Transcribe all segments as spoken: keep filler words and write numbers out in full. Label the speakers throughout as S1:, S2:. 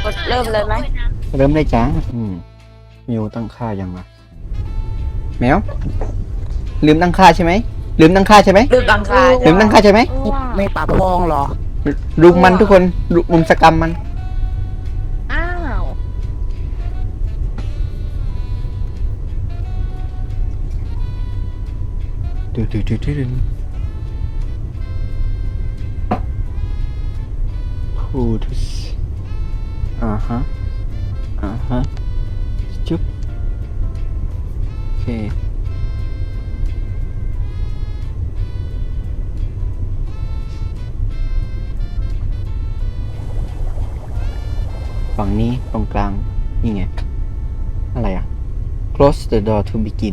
S1: ดเริ่มเลยไหม
S2: เริ่มได้จ้าอืมมิวตั้งค่ายังวะแมวลืมตั้งค่าใช่ไหมลืมตั้งค่าใช่ไหม
S1: เริ่มตั้งค่า
S2: ลืมตั้งค่าใช่ไหม
S3: ไม่ปรับพองเหรอ
S2: รุมมันทุกคนรุมสกรรมมัน
S4: อ้าว
S2: ดูดูดูดูดูพูดอ่าฮะอ่าฮะจุ๊บโอเคฝั่งนี้ตรงกลางนี่ไงอะไรอ่ะ close the door to begin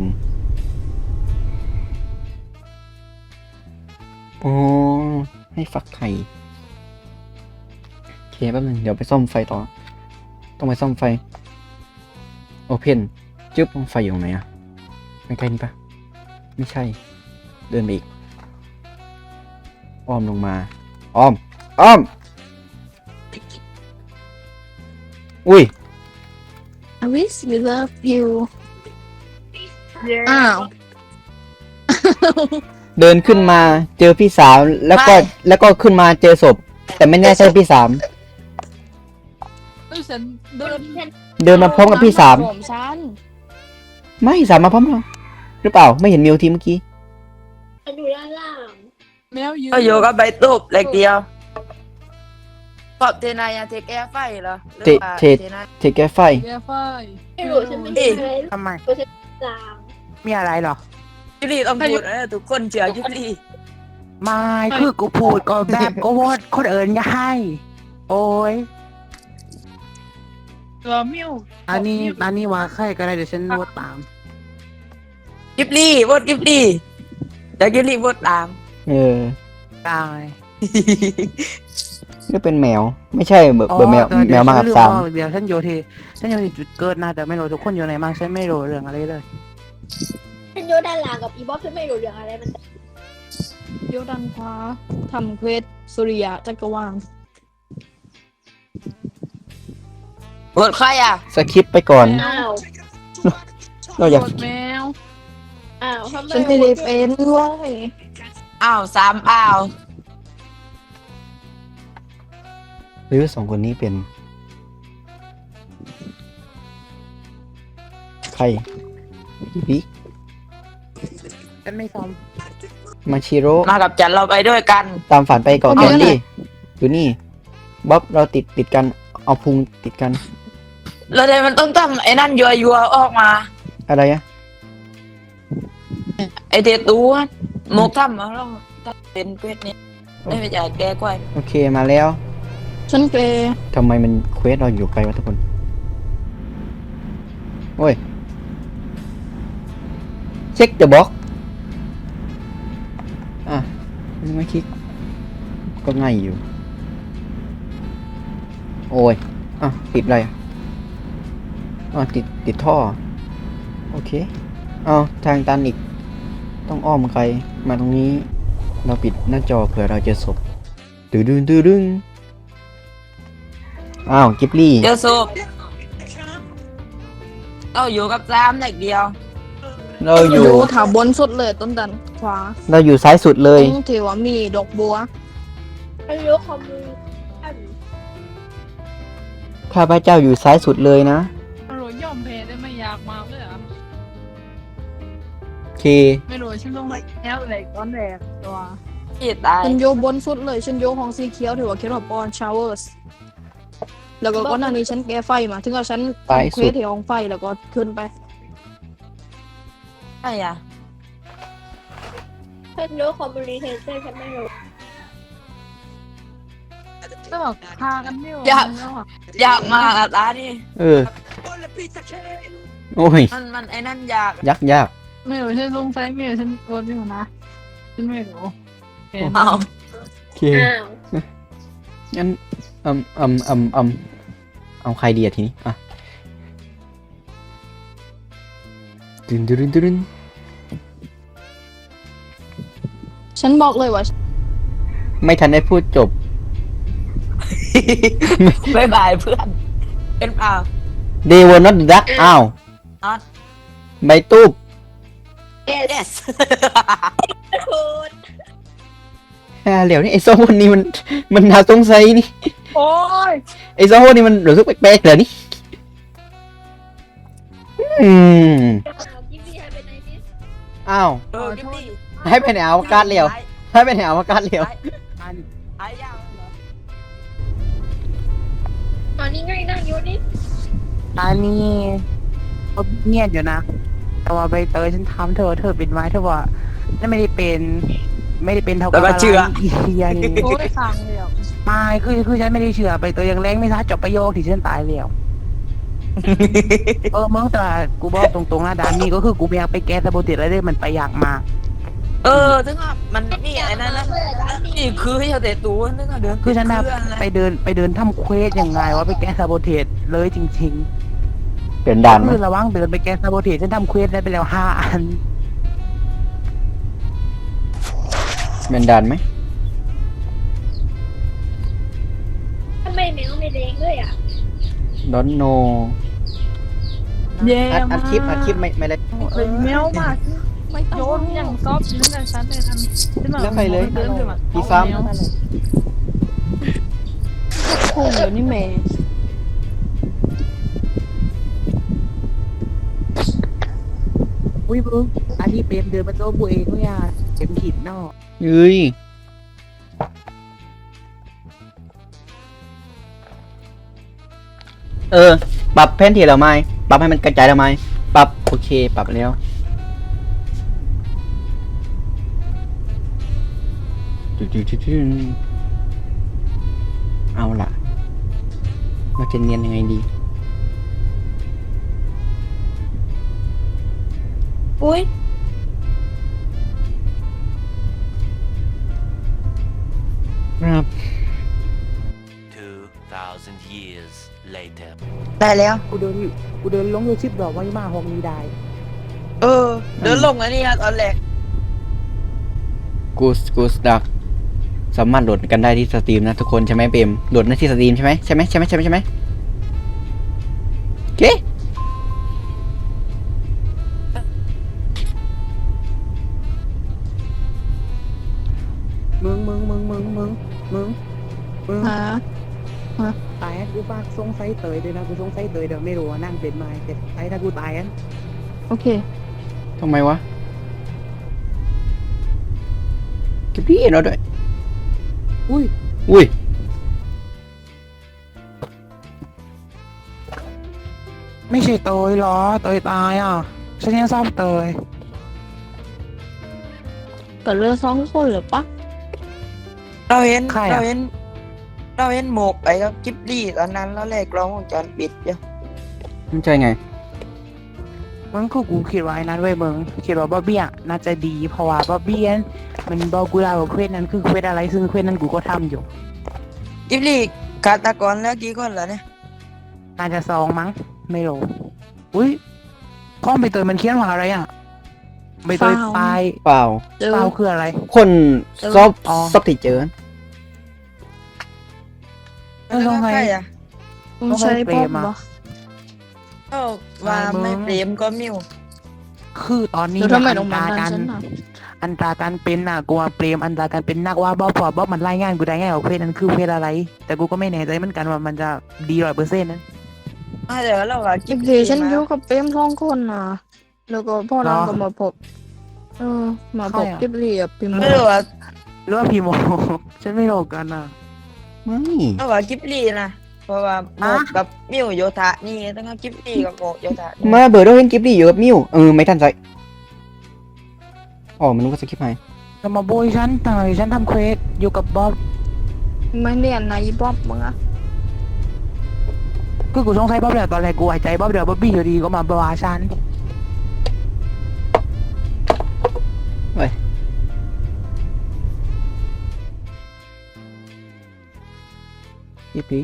S2: โอ้ให้ฟักไข่โอเคแป๊บนึงเดี๋ยวไปซ่อมไฟต่อต้องไปซ่อมไฟโอเพนจึ๊บไฟอยู่ตรงไหนอะใกล้ๆนี่ปะไม่ใช่เดินไปอีกอ้อมลงมาอ้อมอ้อมอุ้ย
S4: I wish we love you อ้าว
S2: เดินขึ้นมาเจอพี่สาวแล้วก็แล้วก็ขึ้นมาเจอศพแต่ไม่แน่ใช่พี่สาม
S4: เอ้ยฉันเดิน
S2: เดินมาพร้อมกับพี่สาม
S4: ผมฉัน
S2: ไม่สามมาพร้อมเราหรือเปล่าไม่เห็นมิวทีเมื่อกี้
S5: อยู่ด้านล่าง
S4: แมวยืน
S1: ก็อยู่กับใบตูบเล็กเดียวปอบเทนายาเทคแอร์ไฟเหรอหรือ
S2: เท
S1: ว่า
S2: เท
S1: นาย
S2: เทแกไฟ
S4: แกไฟ
S5: ไม่รู้ฉันไม่เห็นอะไร
S3: ทำไม
S5: ตัวฉันจาง
S3: มีอะไรเหรอ
S1: ยุรีต้องพูดนะทุกคนเชื่อยุรี
S3: ไม่คือกูพูดก็แบบก็วอดคนเอิญอย่าให้ โอ้ย
S4: ตัวมิว
S3: อันนี้อันนี้ว่าใครก็ได้เดี๋ยวฉันโน้ตตาม
S1: กิบลี่โหวตกิบลี่แต่กิบลี่โหวตตาม
S2: เออ
S3: ตาย
S2: นี่เป็นแมว ไม่ใช่เบอร์เบอร์แมว
S3: อ๋อ
S2: แมวมากับสาม
S3: เดี๋ยวฉันโยทีฉันโยทีจุดเกิดนะแต่ไม่รู้ทุกคนอยู่ไหนบ้างฉันไม่รู้เรื่องอะไรเลย
S5: ฉันอยู่ด้านล่างกับอีบ๊อบฉันไม่รู้เรื่องอะไรมัน
S4: โยดันขวาทำเควสสุริยะจักรวาล
S1: โหวตใครอ่ะ
S2: สคิปไปก่อน
S5: อ้าว
S2: เราอยาก
S4: โหวตแมว
S5: อ้าวทำไม
S4: ฉันไม่ได้เป็นเว้ย
S1: อ้าวสามอ้าว
S2: หรือสองคนนี้เป็น ใครบิ๊ก
S3: ฉันไม่ซ้อม
S2: มาชิโร่
S1: มากับจันเราไปด้วยกัน
S2: ตามฝันไปก่อนก่อนดิอยู่นี่บ๊อบเราติดติดกันเอาพุงติดกัน
S1: แล้วเดี๋ยวมันต้องทำไอ้นั่นยัวยัวๆออกมา
S2: อะไรอะ
S1: ไอเทตัวหมกทำมาลองถ้าเป็นเควสนี้ไม่ไปจ่ายแกกว่า
S2: โอเคมาแล้ว
S4: ฉันเกร
S2: ทำไมมันเควสเราอยู่ไกลวะทุกคนโอ้ยเช็คเดอะบ็อกอ่ะไม่คลิกก็ง่ายอยู่โอ้ยอ่ะติดอะไรอ่ะอ๋อติดติดท่อโอเคเอาทางตันอีกต้องอ้อมใครมาตรงนี้เราปิดหน้าจอเผื่อเราเจอศพตื้อดึงตื้อดึงอ้าวกิบลี่
S1: เจอศพเราอยู่กับสามเด็กเดียว
S2: เราอ
S4: อยู่ ยู่แถวบนสุดเลยต้นดันขวา
S2: เราอยู่ซ้ายสุดเลย
S4: ตรงที่ว่ามีดอกบัว
S5: ฉันรู้คอมมูน
S2: ข้าพเจ้าอยู่ซ้ายสุดเลยนะ
S4: ไม่รู้ยอมแพ้ได้ไม่อยากมาเลยอ่ะ
S2: โอเค
S4: ไม่รู้ฉันต้องไปแอลเลยตอนแรกตัว
S1: พี่ตาย
S4: ฉันโยบนสุดเลยฉันโยห้องสีเขียวถือว่าเขียนว่าปอนชาวเวอร์สแล้วก็ก่อนหน้านี้ฉันแก้ไฟมาถึงกับฉัน
S2: ไปสุด
S4: เควสที่ห้องไฟแล้วก็ขึ้นไป
S1: ใช่อ่ะ
S5: ฉันรู้คอมมูนิเคชั่นฉันไม่รู้
S4: ก็บอกพากันไม่ไหว
S1: อยาก
S4: แล้วอะ
S1: อยากมากอะตาดิ
S2: เออ โอ้ย
S1: มันมันไอ้นั่นอยาก
S2: ยักษ์ยาก
S4: ไม่รู้ฉันสงสัยไม่รู้ฉันโดนไม่รู้นะฉันไม่รู้เห็น
S1: เอา
S2: โอเค
S5: อ้าว
S2: งั้นอืมอืมอืมอืมเอาใครดีอะทีนี้ อ่ะดึนดึนดึน
S4: ฉันบอกเลยว่า
S2: ไม่ทันได้พูดจบ
S1: บายบายเพื่อนเป็นเปล่า
S2: they were not duck อ้าว
S1: not
S2: ใบตูบ
S1: yes
S5: คุณ
S2: ฮ่าเหลียวนี่ไอ้สองคนนี้มันมันน่าสงสัยนี่
S4: โอ้ย
S2: ไอ้สองคนนี้มันรู้สึกแปลกๆเหรอนี่อืม
S5: กิฟต์ให้เป็นไนทิส
S2: อ้าว
S1: เออกิฟตี้
S2: ให้ไปในอวกาศเหลียวให้ไปในอวกาศเหลียว
S3: อัน
S1: หายยาวเหรอ
S5: ตอนนี้ไงนั่งอยู่นี่
S3: อันนี้ก็เงียบอยู่นะ แต่ว่าใบเตยฉันทำเธอเธอเป็นไว้เธอว่านั่นไม่ได้เป็น ไม่ได้เป็นเท่ากับอะไรอีเฮียนี่
S4: โอ้ยฟังเลยอ่ะ
S3: ไม่คือคือฉันไม่ได้เชื่อใบเตยยังแรงไม่ทัดจบประโยคที่ฉันตายแล้ว เออมึงแต่กูบอกตรงๆนะดานนี่ก็คือกูไม่อยากไปแก้สะโบติอะไรเลยมันไปอยากมา
S1: เออถึงอ่ะมันมีไอ้นั่นนะนี่คือให้เขาเตะตัวนึกอ่ะเดิน
S3: คือฉันแบบ
S1: เพื่ออะไร
S3: ไปเดินไปเดินทำเควสยังไงว่าไปแก้สะโบเทสเลยจริง
S2: เปลี่ยน
S3: ๆ
S2: ด่านไหม
S3: คือระวังเดินไปแก้สะโบเทสฉันทำเควสได้ไปแล้วห้าอัน
S2: เปลี่ยนด่านไหม
S5: ทำไมแมวไม่แดงเลยอ่ะ
S2: don't know
S4: เย่
S2: อัดอั
S4: มา
S2: ด
S4: ก
S2: คลิปอัดคลิปไม่ไม่เลย
S4: เลยแมวมากไม่โยนอย่างซอฟต์ยืนกันฉันเลยทันขึ้นมา
S2: แล้วใครเลย
S4: เดินขึ้นมา
S2: พี่ซ้ำ
S4: แมวคู่เดี๋ยวนี่แม่
S3: อุ้ยมึงอันนี้เป็นเดินมาโต้บุเองก็ยาเต็มขีดนอก
S2: เฮ้ยเออ ปรับแผนที่เราไหมปรับให้มันกระจายเราไหมปรับโอเค ปรับแล้วเอาล่ะเราจะเนียนยังไงดี
S5: อุ้ย
S2: ครับ
S6: Two thousand years later.
S1: ได้แล้ว
S3: กูเดินกูเดินลงยูชิปดอกว่ามาห้องนี้ได้
S1: เออ เดินลงอันนี้อะตอนแรก
S2: กูสกูสดักสามารถโหลดกันได้ที่สตรีมนะทุกคนใช่ไหมเปมโหลดได้ที่สตรีมใช่ไหมใช่ไหมใช่ไหมใช่ไหมใช่ไหมโอเค
S3: มึงมึงมึงมึงมึงมึงมึง
S4: หา
S3: ตายอันกูฝากสงสัยเตยด้วยนะกูสงสัยเตยเดี๋ยวไม่รู้ว่านั่งเป็นไม้แต่ไอ้ถ้ากูตายอัน
S4: โอเค
S2: ทำไมวะเก็บพี่เอ็นเอาด้วย
S3: อุ้ย
S2: อุ้ย
S3: ไม่ใช่เตยเหรอเตยตายอ่ะฉันยังชอบเตย
S4: ก็เหลือสองคนเหรือปะ
S1: เราเห็น
S3: ใครอะ
S1: เราเห็น เราเห็นหมกไอ้กับกิฟลี่ตอนนั้นแล้วแรกกล้องวงจรปิดอยู่
S2: มันใช่ไง
S3: มึงก็กูคิดว่าไอ้นั้นเว้ยมึงคิดว่าบ๊อบบี้อ่ะน่าจะดีเพราะว่าบ๊อบบี้นั้นมันบอกกูแล้วว่าเควสนั้นคือเควสอะไรซึ่งเควสนั้นกูก็ทำอยู่
S1: กิฟลี่ฆาตกรแล้วกี่คนแล้วเนี่ย
S3: น่าจะสองมั้งไม่รู้อุ้ยข้องใบเตยมันเขียนว่าอะไรอ่ะใบเตยตาย
S2: เปล่า
S4: เจอ
S3: เปล่าคืออะไร
S2: คนซอบ
S3: อ๋อ
S2: ซอบที่เจอ
S3: เออลงไง
S1: ใครอะ
S4: ต้องใช้
S3: ต้องให้เปร
S4: ป๊อ
S3: ม
S4: ป
S3: อะ
S4: ปะ
S1: เอ้าว่า
S3: ไม่มึง
S1: ไม่เปรมก็มิว
S3: คือตอนนี้
S4: แล้วทำไม
S3: อั
S4: ต้อง
S3: ต
S4: มา
S3: รา
S4: นั่
S3: กาน ร
S4: ฉันอ่ะ
S3: อันตราการเป็นน่ะกูว่าเปรมอันตราการเป็นนักว่าบ๊อบพอบ๊อบมันรายงานกูได้ไงว่าเควสนั้นคือเควสอะไร แต่กูก็ไม่แน่ใจเหมือนกันว่ามันจะดีร้อยเปอร์เซ็นต์นั้น
S1: มาเดี๋ยวเราว่ากิ
S4: อี
S1: ฟ
S4: กที
S1: ลี่
S4: ฉัน
S1: มา
S4: อยู่กับเปรมสองคนน่ะ แล้วก็พ่อเราก็มาพบ เออ มาพบกิบเรียบพิมพ์
S1: ไม่รู้ว่า
S3: หรือว่าพีโม ฉันไม่รู้กันน่ะ
S2: ไม่
S1: เราว่ากิฟลี่นะเพราะว่าหมก
S3: ฮะ
S1: กับมิวโยธานี่ต้องเอากิฟลี่กับหมกโยธานี่
S2: มาเบิร์ดเราเห็นกิฟต์ดีอยู่กับมิวเออไม่ทันใจอ๋อมันรู้ว่าสกิปให้
S3: จะมาโบยฉันทำไมฉันทำเควสอยู่กับบ๊อบ
S4: ไม่เรียนนายบ๊อบมึงอะ
S3: คือกูสงสัยบ๊อบแหละตอนแรกกูหายใจบ๊อบเดี๋ยวบ๊อบบี้อยู่ดีก็มาบวาฉัน
S2: กิฟต์ดี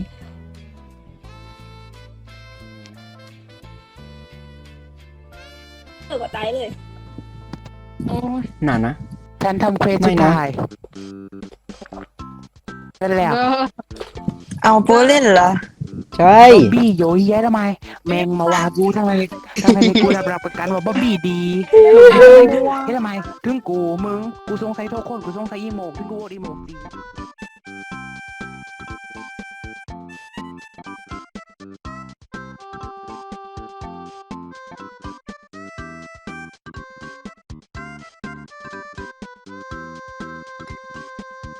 S5: เออก็ตายเลย
S4: โอ้ย
S2: นานนะ
S3: ฉันทำเควส
S2: ไม่
S3: สุด
S2: นะ
S3: ท้ายนั่นแหละ
S4: เออ
S1: เอาโปรเล่นเหรอ
S2: ใช่
S3: บ๊อบบี้โยเยะทำไมแมงมาว่ากูทำไมทำไมกูรับรับประกันว่าบ๊อบบี้ดีเฮ้ยทำไมถึงกูมึงกูสงสัยทุกคนกูสงสัยอีโมกถึงกูโหวตอีโมกดี